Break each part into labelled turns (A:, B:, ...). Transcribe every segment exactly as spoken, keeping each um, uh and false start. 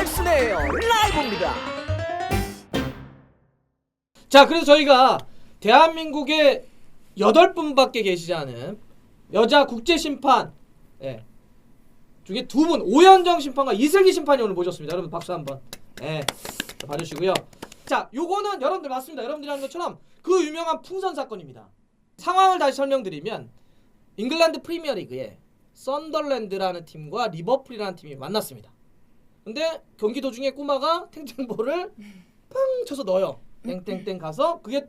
A: 넥슨의 라이브입니다. 자, 그래서 저희가 대한민국에 여덟 분밖에 계시지 않은 여자 국제 심판 예, 중에 두 분, 오현정 심판과 이슬기 심판이 오늘 모셨습니다. 여러분 박수 한번 예, 봐주시고요. 자, 요거는 여러분들 맞습니다. 여러분들이 하는 것처럼 그 유명한 풍선 사건입니다. 상황을 다시 설명드리면 잉글랜드 프리미어리그에 썬더랜드라는 팀과 리버풀이라는 팀이 만났습니다. 근데 경기 도중에 꼬마가 탱탱볼을 팡 쳐서 넣어요. 땡땡땡 가서 그게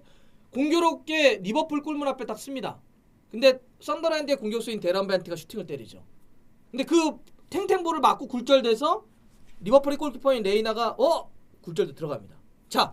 A: 공교롭게 리버풀 골문 앞에 딱 씁니다. 근데 썬더랜드의 공격수인 데런 벤트가 슈팅을 때리죠. 근데 그 탱탱볼을 맞고 굴절돼서 리버풀의 골키퍼인 레이나가 어? 굴절돼 들어갑니다. 자,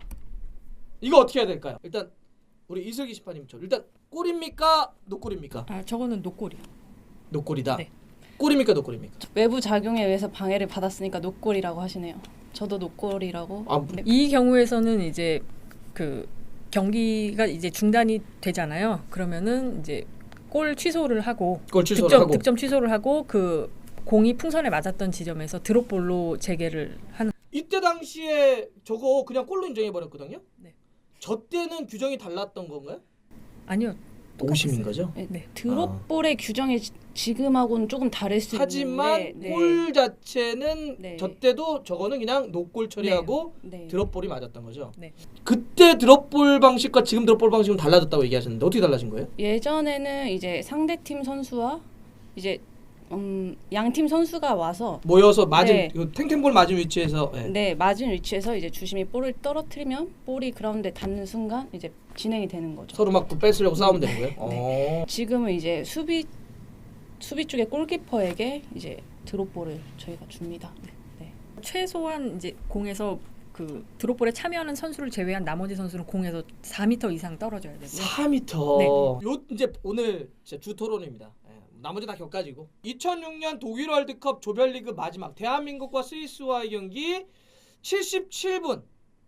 A: 이거 어떻게 해야 될까요? 일단 우리 이슬기 심판님처럼 일단 골입니까? 노골입니까?
B: 아, 저거는 노골이요.
A: 노골이다.
B: 네.
A: 골입니까? 노골입니까?
C: 외부 작용에 의해서 방해를 받았으니까 노골이라고 하시네요. 저도 노골이라고.
A: 아,
C: 네.
B: 이 경우에서는 이제 그 경기가 이제 중단이 되잖아요. 그러면은 이제 골 취소를 하고
A: 골 취소를
B: 득점,
A: 하고
B: 득점 취소를 하고 그 공이 풍선에 맞았던 지점에서 드롭볼로 재개를 하는.
A: 이때 당시에 저거 그냥 골로 인정해 버렸거든요.
B: 네.
A: 저 때는 규정이 달랐던 건가요?
B: 아니요.
A: 오심인
B: 똑같았어요.
A: 거죠?
C: 네, 네. 드롭볼의 규정이 지, 지금하고는 조금 다를 수
A: 하지만
C: 있는데
A: 골 자체는
C: 네.
A: 저 때도 저거는 그냥 노골 처리하고
C: 네.
A: 드롭볼이 맞았던 거죠.
B: 네.
A: 그때 드롭볼 방식과 지금 드롭볼 방식은 달라졌다고 얘기하셨는데 어떻게 달라진 거예요?
C: 예전에는 이제 상대팀 선수와 이제 음, 양팀 선수가 와서
A: 모여서 맞은
C: 네.
A: 그 탱탱볼 맞은 위치에서 예.
C: 네, 맞은 위치에서 이제 주심이 볼을 떨어뜨리면 볼이 그라운드에 닿는 순간 이제 진행이 되는 거죠.
A: 서로 막 뺏으려고 싸우면 되는 거예요?
C: 네.
A: 어.
C: 지금은 이제 수비 수비 쪽의 골키퍼에게 이제 드롭볼을 저희가 줍니다. 네.
B: 최소한 이제 공에서 그 드롭볼에 참여하는 선수를 제외한 나머지 선수는 공에서 사 미터 이상 떨어져야 되고요.
A: 사 미터.
B: 네.
A: 요 이제 오늘 진짜 주 토론입니다. 예. 나머지 다 격가지고. 이천육 년 독일 월드컵 조별리그 마지막 대한민국과 스위스와의 경기 칠십칠 분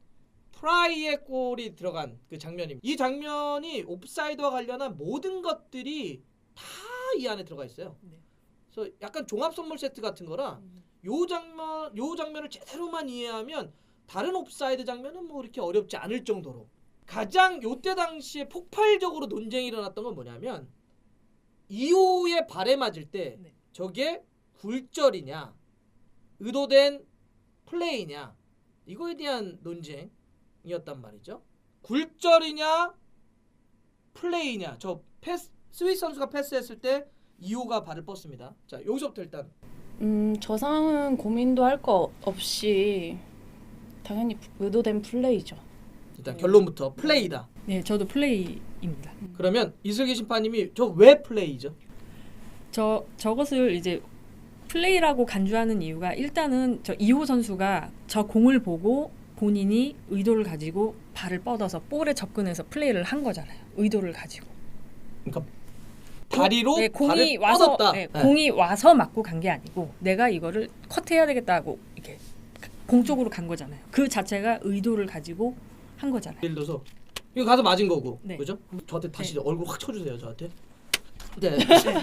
A: 프라이의 골이 들어간 그 장면입니다. 이 장면이 옵사이드와 관련한 모든 것들이 다 이 안에 들어가 있어요.
B: 네.
A: 그래서 약간 종합 선물 세트 같은 거라 요 장면 요 장면을 제대로만 이해하면 다른 옵사이드 장면은 뭐 이렇게 어렵지 않을 정도로 가장 요때 당시에 폭발적으로 논쟁이 일어났던 건 뭐냐면 이호의 발에 맞을 때
B: 네.
A: 저게 굴절이냐 의도된 플레이냐 이거에 대한 논쟁이었단 말이죠. 굴절이냐 플레이냐. 저 패스 스위스 선수가 패스했을 때 이호가 발을 뻗습니다. 자, 여기서부터 일단
C: 음, 저 상황은 고민도 할 거 없이 당연히 의도된 플레이죠.
A: 일단 결론부터 플레이다.
B: 네, 저도 플레이입니다.
A: 그러면 이슬기 심판님이 저 왜 플레이죠?
B: 저 저것을 이제 플레이라고 간주하는 이유가 일단은 저 이호 선수가 저 공을 보고 본인이 의도를 가지고 발을 뻗어서 볼에 접근해서 플레이를 한 거잖아요. 의도를 가지고.
A: 그러니까 다리로
B: 네, 공이
A: 발을
B: 와서
A: 뻗었다.
B: 네,
A: 네.
B: 공이 와서 맞고 간 게 아니고 내가 이거를 컷해야 되겠다고 이렇게 공 쪽으로 간 거잖아요. 그 자체가 의도를 가지고 한 거잖아요.
A: 예를 들어서 이거 가서 맞은 거고,
B: 네.
A: 그죠? 저한테 다시
B: 네.
A: 얼굴 확 쳐주세요, 저한테. 네.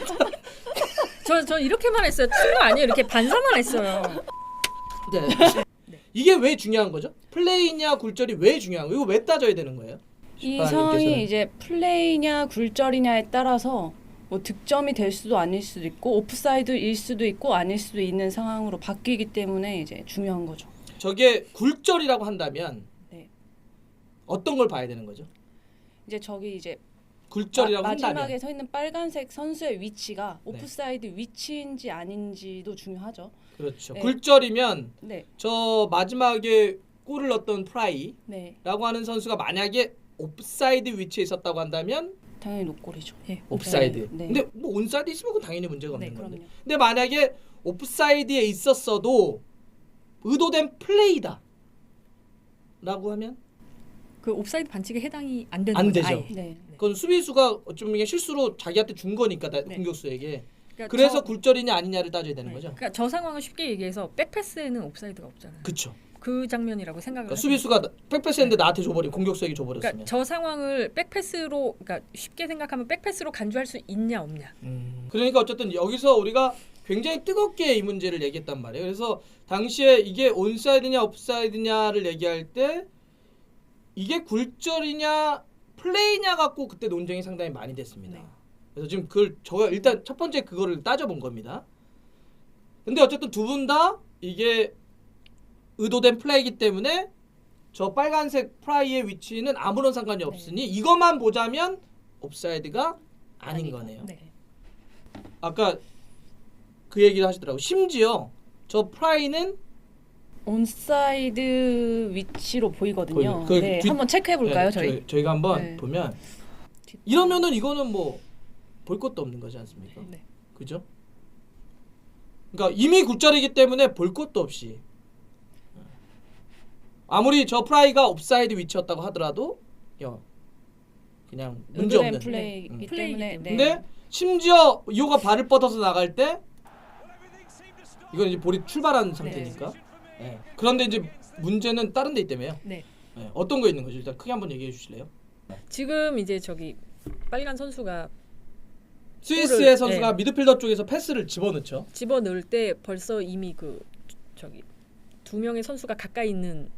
B: 저, 저 이렇게만 했어요. 친거 아니에요. 이렇게 반사만 했어요.
A: 네.
B: 네.
A: 이게 왜 중요한 거죠? 플레이냐 굴절이 왜 중요한 거예요? 이거 왜 따져야 되는 거예요?
C: 이
A: 심판님께서는.
C: 상황이 이제 플레이냐 굴절이냐에 따라서 뭐 득점이 될 수도 아닐 수도 있고 오프사이드일 수도 있고 아닐 수도 있는 상황으로 바뀌기 때문에 이제 중요한 거죠.
A: 저게 굴절이라고 한다면
C: 네.
A: 어떤 걸 봐야 되는 거죠?
C: 이제 저기 이제
A: 굴절이라고
C: 마,
A: 한다면
C: 마지막에 서 있는 빨간색 선수의 위치가
A: 네.
C: 오프사이드 위치인지 아닌지도 중요하죠.
A: 그렇죠.
C: 네.
A: 굴절이면
C: 네,
A: 저 마지막에 골을 넣었던 프라이라고
C: 네,
A: 하는 선수가 만약에 옵사이드 위치에 있었다고 한다면
C: 당연히 노골이죠.
B: 네.
A: 옵사이드.
C: 네.
A: 근데 뭐 온사이드 있으면 그건 당연히 문제가 없는
C: 네,
A: 건데.
C: 그럼요.
A: 근데 만약에 옵사이드에 있었어도 의도된 플레이다 라고 하면
B: 그 옵사이드 반칙에 해당이 안 되는
A: 안
B: 거죠.
A: 되죠.
B: 아예.
C: 네,
A: 그건 수비수가 어쩌면 실수로 자기한테 준 거니까 나-
B: 네.
A: 공격수에게.
B: 그러니까
A: 그래서
B: 저,
A: 굴절이냐 아니냐를 따져야 되는
B: 네.
A: 거죠.
B: 그러니까 저 상황을 쉽게 얘기해서 백패스에는 옵사이드가 없잖아요.
A: 그렇죠.
B: 그 장면이라고 생각을
A: 그러니까
B: 하시면
A: 수비수가 백패스했는데 나한테 줘버린 공격수에게 줘버렸으면.
B: 그러니까 저 상황을 백패스로 그러니까 쉽게 생각하면 백패스로 간주할 수 있냐 없냐.
A: 음. 그러니까 어쨌든 여기서 우리가 굉장히 뜨겁게 이 문제를 얘기했단 말이에요. 그래서 당시에 이게 온사이드냐 옵사이드냐를 얘기할 때 이게 굴절이냐 플레이냐 갖고 그때 논쟁이 상당히 많이 됐습니다.
B: 네.
A: 그래서 지금 그걸 저 일단 첫 번째 그거를 따져본 겁니다. 근데 어쨌든 두 분 다 이게 의도된 플레이이기 때문에 저 빨간색 프라이의 위치는 아무런 상관이 없으니 이것만 보자면 옵사이드가 아닌
B: 아니고,
A: 거네요.
B: 네.
A: 아까 그 얘기를 하시더라고. 심지어 저 프라이는
C: 온사이드 위치로 보이거든요.
A: 보이네. 그
C: 네,
A: 뒤-
C: 한번 체크해 볼까요,
A: 네,
C: 저희?
A: 저희? 저희가 한번
C: 네.
A: 보면 이러면은 이거는 뭐 볼 것도 없는 거지 않습니까?
B: 네.
A: 그죠? 그러니까 이미 굴절이기 때문에 볼 것도 없이 아무리 저 프라이가 옵사이드 위치였다고 하더라도 야, 그냥 문제
C: 의도된
A: 없는.
C: 플레이이기
A: 음.
C: 때문에. 네.
A: 근데 심지어 이호가 발을 뻗어서 나갈 때 이건 이제 볼이 출발한 상태니까. 네. 그런데 이제 문제는 다른 데 있다며요.
B: 네.
A: 네. 어떤 거 있는 거죠? 일단 크게 한번 얘기해 주실래요?
B: 지금 이제 저기 빨간 선수가
A: 스위스의
B: 볼을-
A: 선수가
B: 네.
A: 미드필더 쪽에서 패스를 집어넣죠.
B: 집어 넣을 때 벌써 이미 그 저기 두 명의 선수가 가까이 있는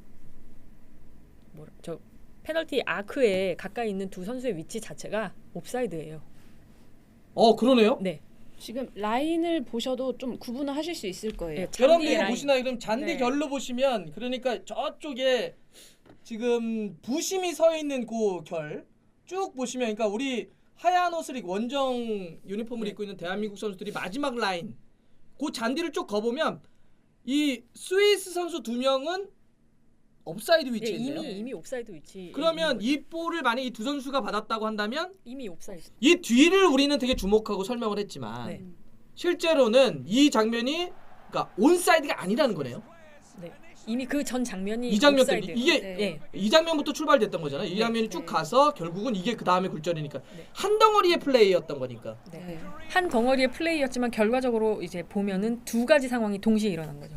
B: 뭐라 저 페널티 아크에 가까이 있는 두 선수의 위치 자체가 옵사이드예요.
A: 어 그러네요.
B: 네.
C: 지금 라인을 보셔도 좀 구분을 하실 수 있을 거예요.
B: 네,
A: 그런데
B: 잔디
A: 이거
B: 라인.
A: 보시나요? 그럼 잔디
B: 네.
A: 결로 보시면 그러니까 저쪽에 지금 부심이 서 있는 그 결 쭉 보시면 그러니까 우리 하얀 옷을 입고 원정 유니폼을
B: 네.
A: 입고 있는 대한민국 선수들이 마지막 라인 그 잔디를 쭉 거보면 이 스위스 선수 두 명은 옵사이드
B: 예,
A: 위치에 있네요.
B: 이미 이미 옵사이드 위치.
A: 그러면 이 볼을 만약 이 두 선수가 받았다고 한다면
B: 이미 옵사이드.
A: 이 뒤를 우리는 되게 주목하고 설명을 했지만
B: 네.
A: 실제로는 이 장면이 그러니까 온사이드가 아니라는 거네요.
B: 네. 이미 그 전 장면이
A: 이 장면
B: 옵사이드.
A: 때문에 이게
C: 네.
B: 예.
A: 이 장면부터 출발됐던 거잖아요. 이
B: 네,
A: 장면이 쭉
C: 네.
A: 가서 결국은 이게 그 다음에 굴절이니까
B: 네.
A: 한 덩어리의 플레이였던 거니까.
B: 네.
C: 네.
B: 한 덩어리의 플레이였지만 결과적으로 이제 보면은 두 가지 상황이 동시에 일어난 거죠.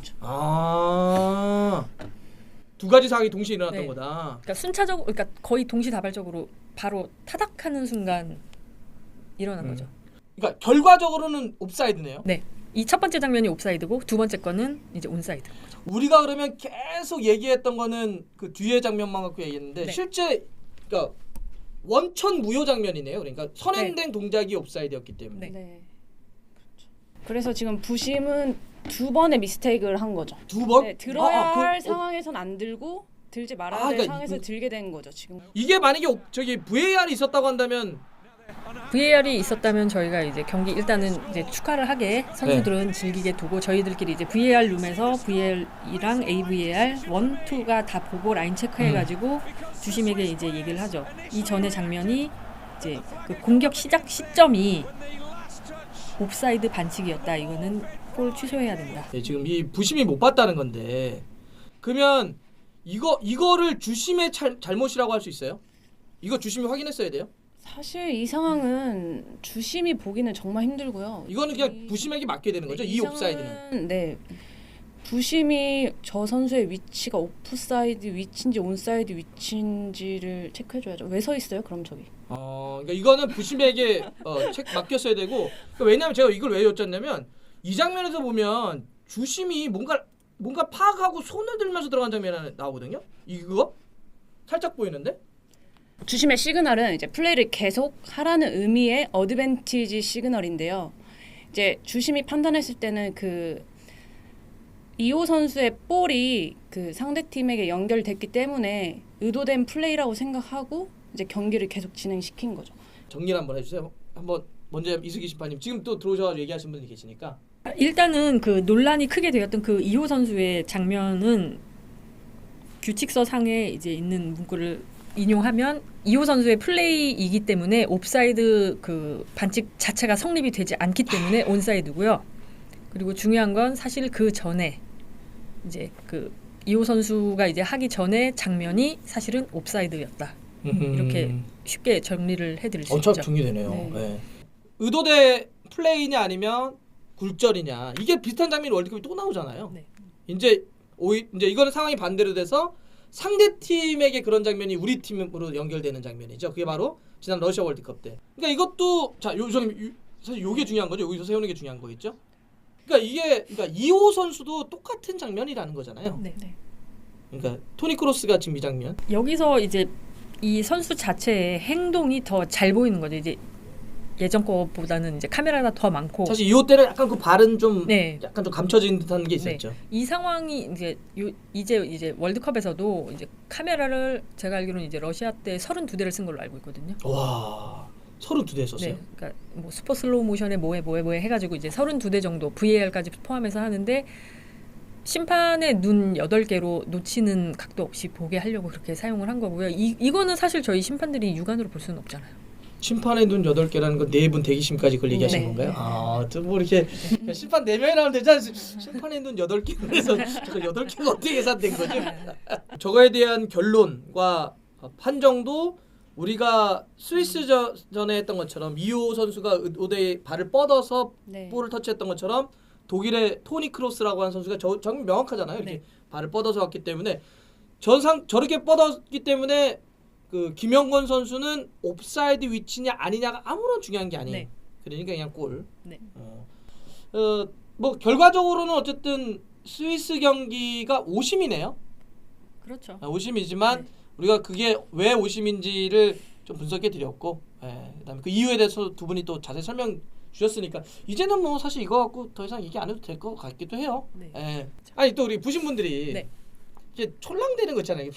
A: 아, 두 가지 상황이 동시에 일어났던
B: 네.
A: 거다.
B: 그러니까 순차적, 그러니까 거의 동시다발적으로 바로 타닥하는 순간 일어난
A: 음.
B: 거죠.
A: 그러니까 결과적으로는 옵사이드네요.
B: 네. 이 첫 번째 장면이 옵사이드고 두 번째 거는 이제 온사이드.
A: 우리가 그러면 계속 얘기했던 거는 그 뒤에 장면만 갖고 얘기했는데
B: 네.
A: 실제 그러니까 원천 무효 장면이네요. 그러니까 선행된 동작이 옵사이드였기 때문에
C: 네. 그렇죠. 그래서 지금 부심은 두 번의 미스테이크를 한 거죠.
A: 두 번.
C: 네, 들어야
A: 아, 아, 그-
C: 할
A: 어,
C: 상황에선 안 들고 들지 말아야
A: 아,
C: 될
A: 그러니까
C: 상황에서
A: 이-
C: 들게 된 거죠. 지금.
A: 이게 만약에 옵- 저기 브이에이알이 있었다고 한다면
B: 브이에이알이 있었다면 저희가 이제 경기 일단은 이제 축하를 하게 선수들은
A: 네.
B: 즐기게 두고 저희들끼리 이제 브이에이알 룸에서 브이에이알이랑 에이브이에이알 일, 이가 다 보고 라인 체크해가지고
A: 음.
B: 주심에게 이제 얘기를 하죠. 이 전에 장면이 이제 그 공격 시작 시점이 옵사이드 반칙이었다. 이거는 골 취소해야 된다.
A: 네, 지금 이 부심이 못 봤다는 건데 그러면 이거 이거를 주심의 잘, 잘못이라고 할 수 있어요? 이거 주심이 확인했어야 돼요?
C: 사실 이 상황은 주심이 보기는 정말 힘들고요.
A: 이거는 그냥
C: 이-
A: 부심에게 맡겨야 되는 거죠.
C: 네,
A: 이
C: 상황은-
A: 옵사이드는.
C: 네. 부심이 저 선수의 위치가 오프사이드 위치인지 온사이드 위치인지를 체크해줘야죠. 왜 서 있어요? 그럼 저기.
A: 어, 그러니까 이거는 부심에게 어, 책 맡겼어야 되고 그러니까 왜냐하면 제가 이걸 왜 여쭸냐면 이 장면에서 보면 주심이 뭔가 뭔가 파악하고 손을 들면서 들어간 장면이 하나 나오거든요. 이거 살짝 보이는데?
C: 주심의 시그널은 이제 플레이를 계속 하라는 의미의 어드밴티지 시그널인데요. 이제 주심이 판단했을 때는 그 이호 선수의 볼이 그 상대 팀에게 연결됐기 때문에 의도된 플레이라고 생각하고 이제 경기를 계속 진행시킨 거죠.
A: 정리를 한번 해주세요. 한번 먼저 이수기 심판님 지금 또 들어오셔서 얘기하신 분이 계시니까.
B: 일단은 그 논란이 크게 되었던 그 이호 선수의 장면은 규칙서 상에 이제 있는 문구를 인용하면 이호 선수의 플레이이기 때문에 옵사이드 그 반칙 자체가 성립이 되지 않기 때문에 온사이드고요. 그리고 중요한 건 사실 그 전에 이제 그 이호 선수가 이제 하기 전에 장면이 사실은 옵사이드였다. 이렇게 쉽게 정리를 해드릴 수
A: 엄청
B: 있죠.
A: 정리되네요.
C: 네.
A: 네. 의도대 플레이냐 아니면 굴절이냐 이게 비슷한 장면이 월드컵에 또 나오잖아요.
B: 네.
A: 이제 오히 이제 이거는 상황이 반대로 돼서 상대 팀에게 그런 장면이 우리 팀으로 연결되는 장면이죠. 그게 바로 지난 러시아 월드컵 때. 그러니까 이것도 자, 요 저는 요- 사실 요게 중요한 거죠. 여기서 세우는 게 중요한 거겠죠. 그러니까 이게 그러니까 이호 선수도 똑같은 장면이라는 거잖아요.
B: 네. 네.
A: 그러니까 토니 크로스가 지금 이 장면.
B: 여기서 이제 이 선수 자체의 행동이 더 잘 보이는 거죠. 이제 예전 거보다는 이제 카메라가 더 많고.
A: 사실 이호 때는 약간 그 발은 좀
B: 네.
A: 약간 좀 감춰진 듯한 게
B: 네.
A: 있었죠.
B: 이 상황이 이제 요, 이제 이제 월드컵에서도 이제 카메라를 제가 알기로는 이제 러시아 때 서른두 대를 쓴 걸로 알고 있거든요.
A: 와, 서른두 대 썼어요.
B: 네, 그러니까 뭐 슈퍼 슬로우 모션에 뭐에 뭐에 뭐에 해가지고 이제 서른두 대 정도 브이에이알까지 포함해서 하는데 심판의 눈 여덟 개로 놓치는 각도 없이 보게 하려고 그렇게 사용을 한 거고요. 이 이거는 사실 저희 심판들이 육안으로 볼 수는 없잖아요.
A: 심판의 눈 여덟 개라는 건 네 분 대기심까지 그걸 얘기하신
B: 네.
A: 건가요? 아, 또 뭐 이렇게 심판 네 명이 나오면 되지 않습니까? 심판의 눈 여덟 개 그래서 저 여덟 개가 어떻게 계산된 거죠? 저거에 대한 결론과 판정도 우리가 스위스전에 했던 것처럼 이호 선수가 의도에 발을 뻗어서
C: 네.
A: 볼을 터치했던 것처럼 독일의 토니 크로스라고 하는 선수가 저, 정말 명확하잖아요. 이렇게
B: 네.
A: 발을 뻗어서 왔기 때문에 전상 저렇게 뻗었기 때문에 그 김영권 선수는 옵사이드 위치냐 아니냐가 아무런 중요한 게 아니에요.
B: 네.
A: 그러니까 그냥 골.
B: 네.
A: 어, 어, 뭐 결과적으로는 어쨌든 스위스 경기가 오심이네요.
B: 그렇죠.
A: 아, 오심이지만
B: 네.
A: 우리가 그게 왜 오심인지를 좀 분석해 드렸고, 예, 그다음에 그 이유에 대해서 두 분이 또 자세히 설명 주셨으니까 이제는 뭐 사실 이거 갖고 더 이상 얘기 안 해도 될 것 같기도 해요.
B: 네.
A: 예. 아니 또 우리 보신 분들이
B: 네.
A: 이게 촐랑대는 거 있잖아요.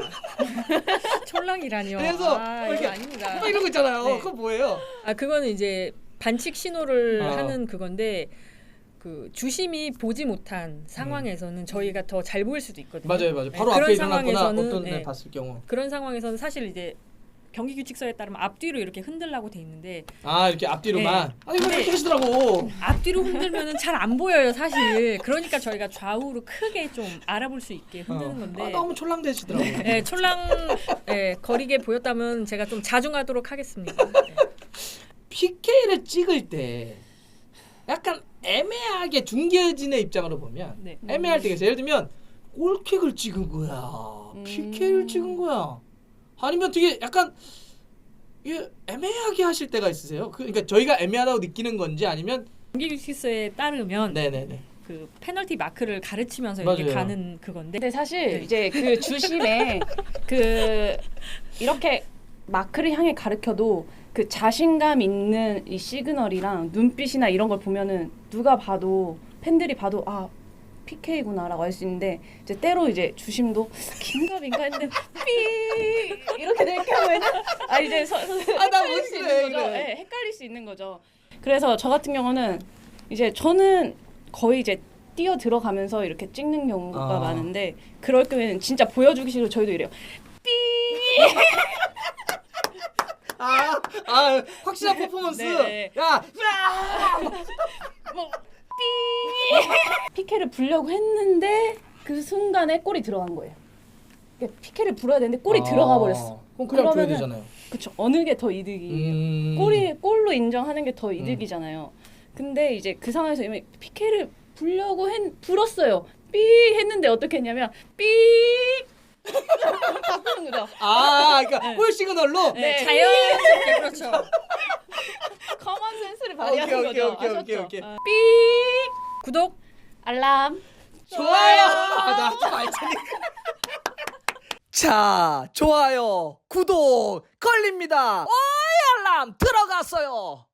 B: 촐랑이라니요.
A: 그래서
B: 아,
A: 뭐
B: 이거
A: 이렇게
B: 아닙니다.
A: 뭐 이런 거 있잖아요.
B: 네.
A: 그거 뭐예요?
B: 아 그거는 이제 반칙 신호를
A: 아.
B: 하는 그건데 그 주심이 보지 못한 상황에서는 저희가 더 잘 보일 수도 있거든요.
A: 맞아요, 맞아요.
B: 네,
A: 바로
B: 그런
A: 앞에 일어났거나
B: 상황에서는,
A: 어떤
B: 네,
A: 애 봤을 경우.
B: 그런 상황에서는 사실 이제 경기 규칙서에 따르면 앞뒤로 이렇게 흔들라고 돼 있는데
A: 아 이렇게 앞뒤로만.
B: 네.
A: 아니 왜
B: 근데-
A: 이렇게 하시더라고.
B: 앞뒤로 흔들면은 잘 안 보여요 사실. 그러니까 저희가 좌우로 크게 좀 알아볼 수 있게 흔드는
A: 어.
B: 건데.
A: 아, 너무 촐랑대시더라고.
B: 네, 촐랑 예, 거리게 보였다면 제가 좀 자중하도록 하겠습니다. 네.
A: 피케이를 찍을 때 약간 애매하게 중계진의 입장으로 보면
B: 네.
A: 애매할 때가 있어요. 예를 들면 골킥을 찍은 거야,
C: 음.
A: 피케이를 찍은 거야, 아니면 되게 약간 이게 애매하게 하실 때가 있으세요. 그- 그러니까 저희가 애매하다고 느끼는 건지 아니면
B: 경기 규칙서에 따르면
A: 네네네.
B: 그 페널티 마크를 가르치면서 이렇게
A: 맞아요.
B: 가는 그건데.
C: 근데 사실
B: 네.
C: 이제 그 주심에 그 이렇게 마크를 향해 가르쳐도 그 자신감 있는 이 시그널이랑 눈빛이나 이런 걸 보면은 누가 봐도 팬들이 봐도 아 피케이구나라고 알 수 있는데 이제 때로 이제 주심도 긴가민가 했는데 삐 이렇게 될 경우에는 아 이제 서, 서,
A: 아, 나
C: 헷갈릴 수
A: 뭔지
C: 있는 거죠.
A: 그래.
C: 네, 헷갈릴 수 있는 거죠. 그래서 저 같은 경우는 이제 저는 거의 이제 뛰어 들어가면서 이렇게 찍는 경우가
A: 아.
C: 많은데 그럴 경우에는 진짜 보여주기 싫고 저희도 이래요. 삐
A: 아, 아 확실한 퍼포먼스.
C: 네.
A: 야,
C: 뭐 삐 피케를 불려고 했는데 그 순간에 골이 들어간 거예요. 그러니까 피케를 불어야 되는데 골이
A: 아,
C: 들어가 버렸어.
A: 그럼 그냥 줘야
C: 그러면은-
A: 되잖아요.
C: 그쵸. 어느 게 더 이득이에요.
A: 음.
C: 골이 골로 인정하는 게 더 이득이잖아요. 근데 이제 그 상황에서 이미 피케를 불려고 했, 불었어요. 삐 했는데 어떻게 했냐면 삐 바꾸는 거죠.
A: 아, 그러니까 골 시그널로.
C: 네.
B: 자연스럽게 그렇죠.
C: 커먼 센스를 발휘하는
A: 오케이, 오케이,
C: 거죠.
A: 오케이,
C: 아셨죠?
A: 오케이, 오케이.
C: 어.
B: 구독.
C: 알람.
A: 좋아요. 아, 나좀 알테니까. 자, 좋아요, 구독 걸립니다. 오이 알람 들어갔어요.